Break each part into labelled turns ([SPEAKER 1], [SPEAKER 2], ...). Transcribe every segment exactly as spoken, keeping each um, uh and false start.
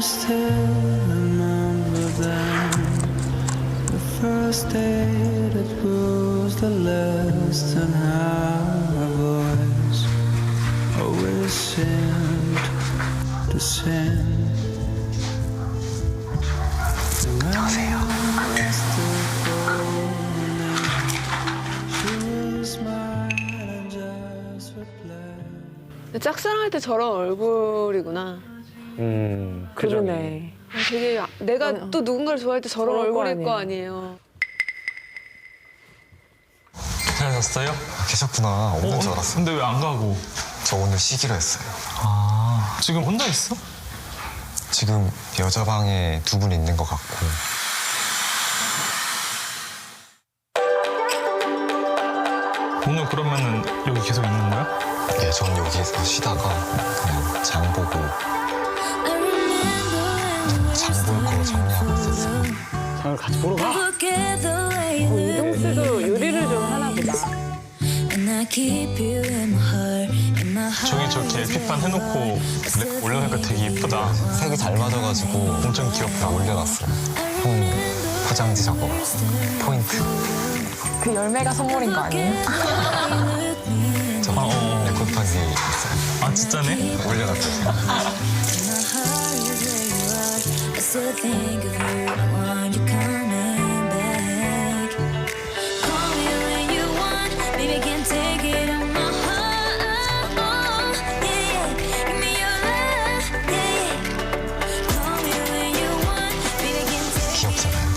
[SPEAKER 1] still remember then, the first day that was the last, and how our voice always seemed to sing.
[SPEAKER 2] 안녕하세요.
[SPEAKER 3] 짝사랑할 때 저런 얼굴이구나.
[SPEAKER 4] 음,
[SPEAKER 2] 그러네.
[SPEAKER 3] 되게 내가
[SPEAKER 2] 어.
[SPEAKER 3] 또 누군가를 좋아할 때 저런
[SPEAKER 2] 저럴 거
[SPEAKER 3] 얼굴일 거
[SPEAKER 2] 아니에요.
[SPEAKER 3] 아니에요.
[SPEAKER 5] 잘 잤어요?
[SPEAKER 6] 계셨구나. 없는 줄 알았어.
[SPEAKER 5] 근데 왜 안 가고?
[SPEAKER 6] 저 오늘 쉬기로 했어요.
[SPEAKER 5] 아, 지금 혼자 있어?
[SPEAKER 6] 지금 여자 방에 두 분 있는 것 같고.
[SPEAKER 5] 오늘 그러면은 여기 계속 있는 거야?
[SPEAKER 6] 예, 전 여기서 쉬다가 그냥 장 보고 장 볼 거 정리하고 있었어요.
[SPEAKER 4] 장을 같이 보러 가.
[SPEAKER 2] 어, 이동 씨도 요리를 좀 하나 보다.
[SPEAKER 5] 저기 저렇게 엘피판 해놓고 올려놓으니까 되게 이쁘다.
[SPEAKER 6] 색이 잘 맞아가지고
[SPEAKER 5] 엄청 귀엽다.
[SPEAKER 6] 올려놨어요. 형 포장지 저거 포인트.
[SPEAKER 2] 그 열매가 선물인 거 아니에요?
[SPEAKER 6] 저
[SPEAKER 5] 아, 어, 어.
[SPEAKER 6] 에코판 위에 있어요.
[SPEAKER 5] 아, 진짜네?
[SPEAKER 6] 올려놨어요. 귀엽잖아요.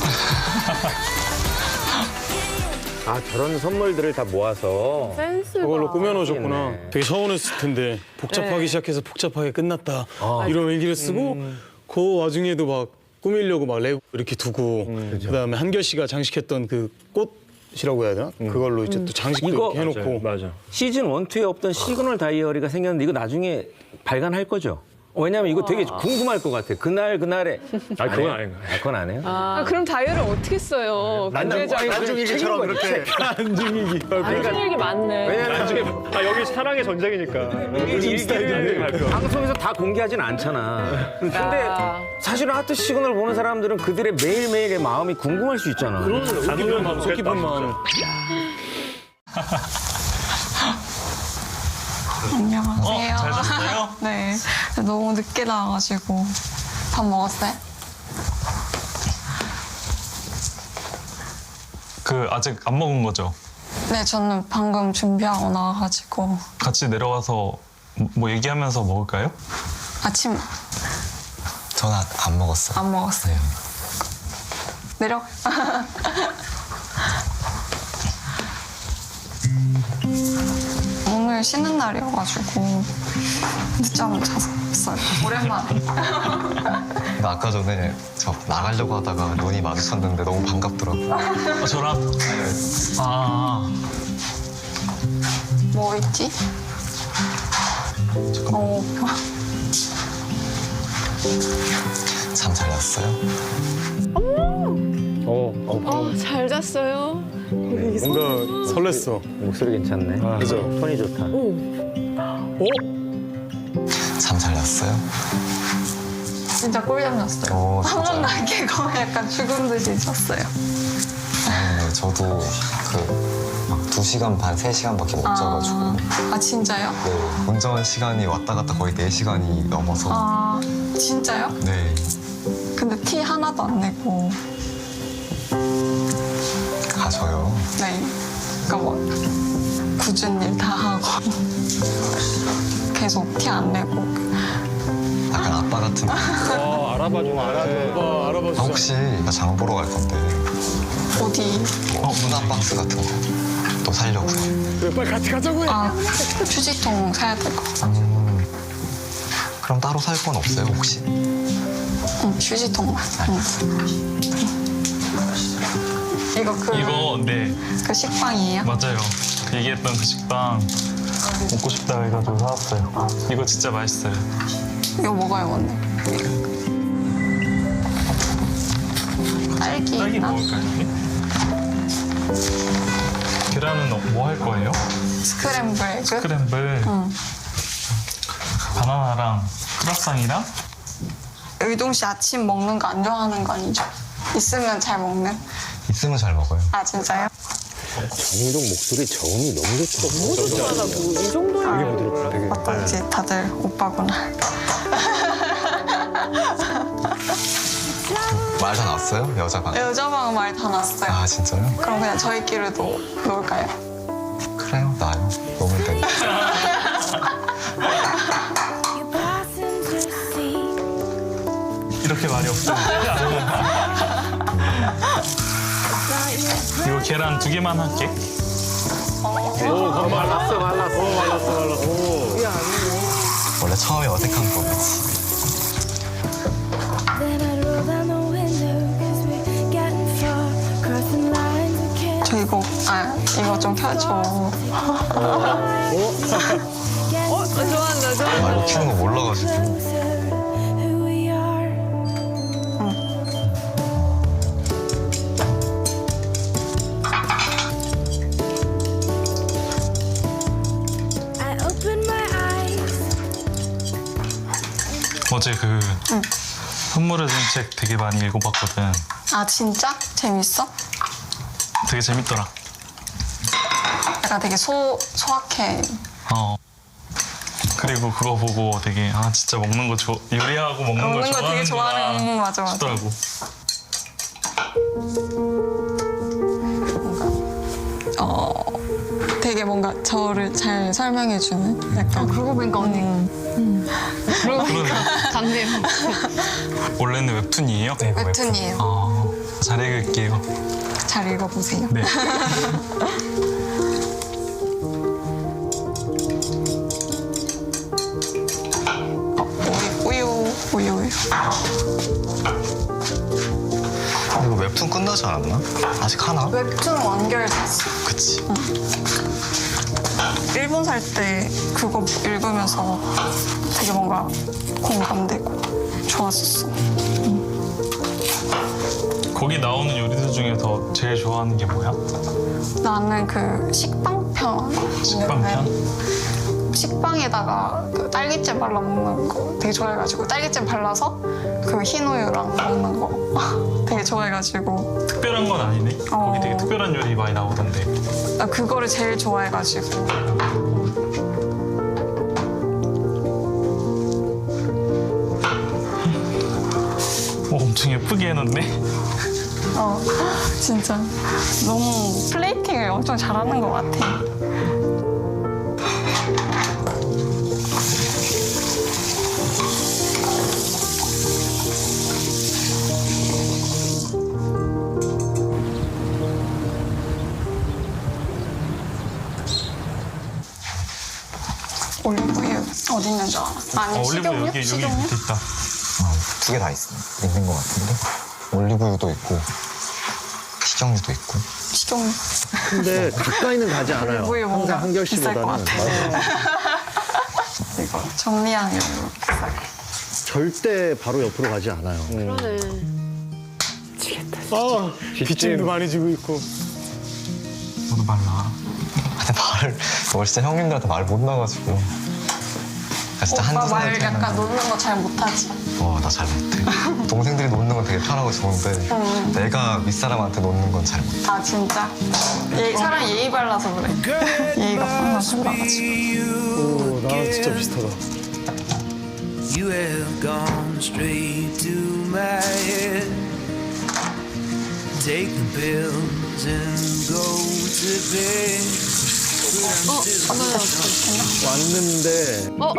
[SPEAKER 4] 아, 저런 선물들을 다 모아서
[SPEAKER 3] 센스가.
[SPEAKER 7] 그걸로 꾸며놓으셨구나.
[SPEAKER 4] 네.
[SPEAKER 7] 되게 서운했을 텐데 복잡하기
[SPEAKER 3] 네.
[SPEAKER 7] 시작해서 복잡하게 끝났다.
[SPEAKER 4] 아.
[SPEAKER 7] 이런 일기를 쓰고 그 와중에도 막 꾸미려고 막 레고 이렇게 두고 그다음에 한결 씨가 장식했던 그 꽃이라고 해야 되나? 그걸로 이제 또 장식도
[SPEAKER 4] 이거
[SPEAKER 7] 이렇게 해놓고
[SPEAKER 4] 맞아. 시즌 원, 투에 없던 시그널 다이어리가 생겼는데 이거 나중에 발간할 거죠? 왜냐면 이거 되게 궁금할 것 같아. 그날 그날에. 아, 그건 아닌 거야. 그건 안 해요?
[SPEAKER 3] 아, 그럼 다이어를 어떻게 써요?
[SPEAKER 4] 난중일기처럼 그렇게.
[SPEAKER 7] 안중이기.
[SPEAKER 2] 일기 많네.
[SPEAKER 4] 왜냐면 나중에
[SPEAKER 8] 아 여기 사랑의 전쟁이니까.
[SPEAKER 4] 요즘 스타일인데 방송에서 다 공개하진 않잖아. 근데
[SPEAKER 3] 아.
[SPEAKER 4] 사실은 하트 시그널 보는 사람들은 그들의 매일매일의 마음이 궁금할 수 있잖아.
[SPEAKER 8] 안 오면 마음
[SPEAKER 7] 속 깊은 마음.
[SPEAKER 9] 안녕하세요.
[SPEAKER 5] 어, 잘 잤어요?
[SPEAKER 9] 네. 너무 늦게 나와가지고. 밥 먹었어요?
[SPEAKER 5] 그, 아직 안 먹은 거죠?
[SPEAKER 9] 네, 저는 방금 준비하고 나와가지고.
[SPEAKER 5] 같이 내려와서 뭐 얘기하면서 먹을까요?
[SPEAKER 9] 아침
[SPEAKER 6] 저는 안 먹었어요.
[SPEAKER 9] 안 먹었어요. 내려. 오늘 쉬는 날이어가지고 늦잠을 잤어요. 오랜만에.
[SPEAKER 6] 근데 아까 전에 저 나가려고 하다가 눈이 마주쳤는데 너무 반갑더라고요.
[SPEAKER 5] 아, 저랑? 아,
[SPEAKER 9] 뭐 있지? 어,
[SPEAKER 6] 잠 잘 잤어요?
[SPEAKER 4] 어, 어,
[SPEAKER 3] 어, 잘 잤어요.
[SPEAKER 7] 뭔가 설렜어.
[SPEAKER 4] 목소리 괜찮네.
[SPEAKER 7] 아, 그죠?
[SPEAKER 4] 톤이 좋다.
[SPEAKER 6] 잠 잘 잤어요?
[SPEAKER 9] 진짜 꿀잠 잤어요.
[SPEAKER 6] 오,
[SPEAKER 9] 한
[SPEAKER 6] 진짜요?
[SPEAKER 9] 번도 안 깨고 약간 죽은 듯이 잤어요.
[SPEAKER 6] 네, 저도 그 막 두 시간 반, 세 시간밖에 못 자가지고.
[SPEAKER 9] 아, 아 진짜요?
[SPEAKER 6] 네, 운전 시간이 왔다 갔다 거의 네 시간이 넘어서.
[SPEAKER 9] 아 진짜요?
[SPEAKER 6] 네,
[SPEAKER 9] 근데 티 하나도 안 내고.
[SPEAKER 6] 가져요.
[SPEAKER 9] 네. 그러니까 뭐 굳은 일 다 하고 계속 티 안 내고.
[SPEAKER 6] 약간 아빠 같은. 아,
[SPEAKER 8] 와 알아봐줘 알아줘.
[SPEAKER 7] 와, 알아봐 주자.
[SPEAKER 6] 혹시 나 장 보러 갈 건데
[SPEAKER 9] 어디?
[SPEAKER 6] 뭐 문화 박스 같은 거 또 살려고요.
[SPEAKER 7] 그래, 빨리 같이 가자고 해.
[SPEAKER 9] 아 휴지통 사야 될 것 같아.
[SPEAKER 6] 음, 그럼 따로 살 건 없어요 혹시?
[SPEAKER 9] 응, 휴지통만. 응. 이거 그,
[SPEAKER 5] 이거, 네,
[SPEAKER 9] 그 식빵이에요?
[SPEAKER 5] 맞아요. 그 얘기했던 그 식빵 먹고 싶다 해가지고 사왔어요. 이거 진짜 맛있어요.
[SPEAKER 9] 이거 먹어요, 오늘. 딸기
[SPEAKER 5] 딸기
[SPEAKER 9] 있나?
[SPEAKER 5] 먹을까요, 언니? 계란은 뭐 할 거예요?
[SPEAKER 9] 스크램블 에그?
[SPEAKER 5] 스크램블,
[SPEAKER 9] 응.
[SPEAKER 5] 바나나랑 크라상이랑
[SPEAKER 9] 으, 의동 씨 아침 먹는 거 안 좋아하는 거 아니죠? 있으면 잘 먹는?
[SPEAKER 6] 있으면 잘 먹어요.
[SPEAKER 9] 아 진짜요?
[SPEAKER 4] 정동 목소리 저음이 너무 좋더라고.
[SPEAKER 3] 뭐 이 정도면
[SPEAKER 9] 어떤지 다들 오빠구나.
[SPEAKER 6] 말 다 났어요? 여자 방.
[SPEAKER 9] 여자 방 말 다 났어요.
[SPEAKER 6] 아 진짜요?
[SPEAKER 9] 그럼 그냥 저희끼리도 놀까요?
[SPEAKER 6] 그래요, 나요. 너무 돼.
[SPEAKER 5] 이렇게 말이 없었는데. 이거 계란 두 개만 할게.
[SPEAKER 4] 오, 말랐어, 말랐어. 오, 말랐어, 말랐어.
[SPEAKER 6] 원래 처음에 어색한 거지.
[SPEAKER 9] 저 이거 아 이거 좀 켜줘.
[SPEAKER 3] 어, 좋아한다, 좋아한다.
[SPEAKER 6] 아, 이거 키는 거 몰라가지고.
[SPEAKER 5] 어제 그 선물의 정책 되게 많이 읽어봤거든.
[SPEAKER 9] 아 진짜? 재밌어?
[SPEAKER 5] 되게 재밌더라.
[SPEAKER 9] 약간 되게 소 소확해.
[SPEAKER 5] 어. 그리고 그거 보고 되게 아 진짜 먹는 거 좋 요리하고 먹는,
[SPEAKER 9] 먹는
[SPEAKER 5] 거
[SPEAKER 9] 거 되게 좋아하는 응, 맞아 맞아.
[SPEAKER 5] 싶더라고.
[SPEAKER 9] 어 되게 뭔가 저를 잘 설명해주는 약간. 그러고 보니까 언니.
[SPEAKER 5] 그러네.
[SPEAKER 3] 같네요.
[SPEAKER 5] 원래는 웹툰이에요?
[SPEAKER 6] 네, 이거
[SPEAKER 9] 웹툰이에요.
[SPEAKER 5] 아, 잘 읽을게요.
[SPEAKER 9] 잘 읽어보세요.
[SPEAKER 5] 네.
[SPEAKER 9] 우유 우유 우유 우유.
[SPEAKER 6] 이거 웹툰 끝나지 않았나? 아직 하나?
[SPEAKER 9] 웹툰 완결됐어.
[SPEAKER 6] 그치.
[SPEAKER 9] 일본 살 때 그거 읽으면서 되게 뭔가 공감되고 좋았었어.
[SPEAKER 5] 거기 나오는 요리들 중에서 제일 좋아하는 게 뭐야?
[SPEAKER 9] 나는 그 식빵 편.
[SPEAKER 5] 식빵 편?
[SPEAKER 9] 식빵에다가 그 딸기잼 발라 먹는 거 되게 좋아해가지고 딸기잼 발라서 그 흰우유랑 먹는 거 되게 좋아해가지고
[SPEAKER 5] 특별한 건 아니네.
[SPEAKER 9] 어.
[SPEAKER 5] 거기 되게 특별한 요리 많이 나오던데.
[SPEAKER 9] 나 그거를 제일 좋아해가지고.
[SPEAKER 5] 오, 엄청 예쁘게 해놨네.
[SPEAKER 9] 어 진짜 너무 플레이팅을 엄청 잘하는 것 같아. 올리브유 어디 있는 줄 알아? 아니
[SPEAKER 5] 어, 올리브
[SPEAKER 9] 식용유?
[SPEAKER 5] 여기 여기
[SPEAKER 9] 식용유?
[SPEAKER 5] 밑에 있다.
[SPEAKER 6] 두 개 다 있어. 있는 것 같은데. 올리브유도 있고, 식용유도 있고.
[SPEAKER 9] 식용유.
[SPEAKER 8] 근데 가까이는 가지 않아요.
[SPEAKER 9] 올리브유 뭔가
[SPEAKER 8] 항상 한결
[SPEAKER 9] 비쌀 것
[SPEAKER 8] 씨보다는.
[SPEAKER 9] 같아. 이거 정리하는 이렇게 싸게.
[SPEAKER 8] 절대 바로 옆으로 가지 않아요.
[SPEAKER 3] 그러네.
[SPEAKER 8] 아,
[SPEAKER 7] 빗짐도 많이 지고 있고.
[SPEAKER 5] 너도 말라.
[SPEAKER 6] 근데 말을, 너 진짜 형님들한테 말 못 나가지고. 나 진짜
[SPEAKER 9] 오빠
[SPEAKER 6] 한두
[SPEAKER 9] 말
[SPEAKER 6] 살
[SPEAKER 9] 약간
[SPEAKER 6] 차이나.
[SPEAKER 9] 노는 거 잘 못하지.
[SPEAKER 6] 어, 나 잘 못해. 동생들이 놓는 건 되게 편하고 좋은데, 내가 윗사람한테 놓는 건 잘 못해.
[SPEAKER 9] 아 진짜? 예, 사람 예의 발라서 그래. 예의가 하나씩 나가지고.
[SPEAKER 7] 오, 나랑 진짜 비슷하다.
[SPEAKER 1] You have gone straight to my head. Take the pills and go to bed.
[SPEAKER 8] 왔는데.
[SPEAKER 3] 어,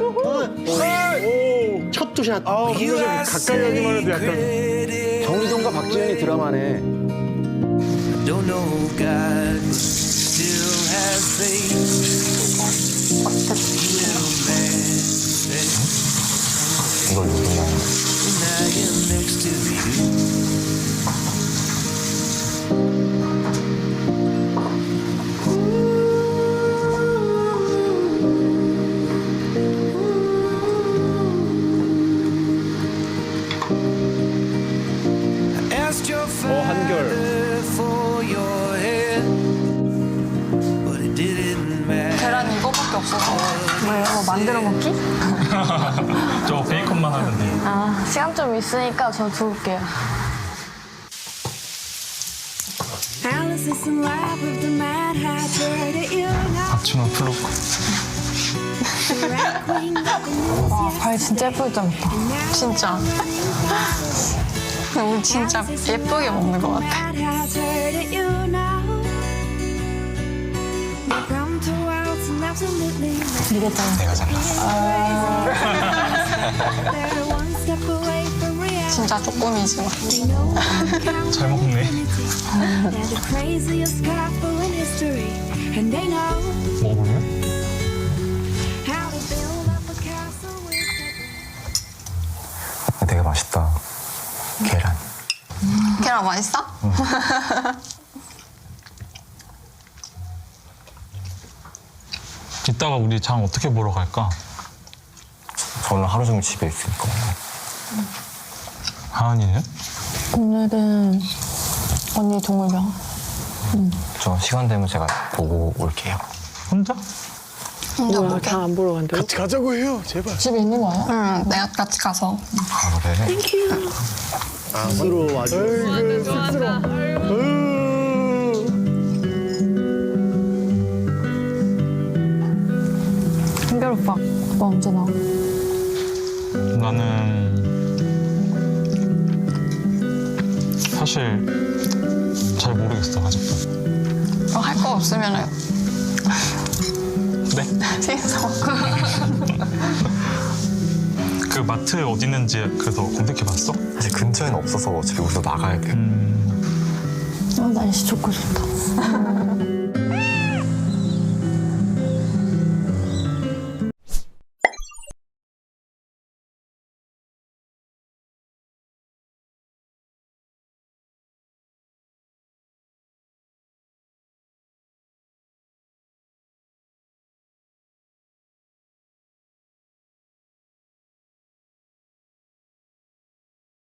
[SPEAKER 8] 오, 첫 투샷. 아,
[SPEAKER 1] You
[SPEAKER 8] 분명히
[SPEAKER 1] are
[SPEAKER 8] 가까이 하기만 해도 약간.
[SPEAKER 1] credit.
[SPEAKER 4] 정리동과 박지현이 드라마네.
[SPEAKER 1] Don't know God, but still have faith. You will manifest.
[SPEAKER 6] 이걸 누구냐.
[SPEAKER 1] When I am next to you.
[SPEAKER 8] 어, 한결.
[SPEAKER 1] For your head, but it didn't matter.
[SPEAKER 9] 만들어 먹기?
[SPEAKER 5] 저 베이컨만 하면 돼요.
[SPEAKER 2] 아, 시간 좀 있으니까 저 두을게요.
[SPEAKER 5] 아침은 플로코.
[SPEAKER 2] 와, 과일 진짜 예쁘게 잘랐다.
[SPEAKER 9] 진짜. 우리 진짜 예쁘게 먹는 것 같아.
[SPEAKER 6] 내가 잘랐어.
[SPEAKER 9] 진짜 조금이지만.
[SPEAKER 5] 잘 먹네. 먹어볼래?
[SPEAKER 6] 되게 맛있다. 계란.
[SPEAKER 9] 계란 맛있어?
[SPEAKER 5] 이따가 우리 장 어떻게 보러 갈까?
[SPEAKER 6] 저는 하루 종일 집에 있으니까.
[SPEAKER 5] 하은이는?
[SPEAKER 2] 오늘은 언니 동물병.
[SPEAKER 6] 저 시간 되면 제가 보고 올게요.
[SPEAKER 5] 혼자?
[SPEAKER 9] 혼자
[SPEAKER 3] 뭐야,
[SPEAKER 9] 먹게.
[SPEAKER 3] 장 안 보러 간다고?
[SPEAKER 7] 같이 가자고 해요, 제발.
[SPEAKER 2] 집에 있는 거예요?
[SPEAKER 9] 응, 내가 같이 가서.
[SPEAKER 6] 아, 그래?
[SPEAKER 8] 스스로 아주.
[SPEAKER 2] 한결 오빠, 오빠 언제 나와?
[SPEAKER 5] 나는 사실 잘 모르겠어 아직도.
[SPEAKER 9] 어, 할 거 없으면은
[SPEAKER 5] 네?
[SPEAKER 9] 집에서 먹고.
[SPEAKER 5] 그 마트 어디 있는지 그래서 검색해봤어?
[SPEAKER 6] 사실 근처에는 없어서 집에 우리도 나가야 돼요.
[SPEAKER 5] 음,
[SPEAKER 2] 어, 날씨 좋고 좋다.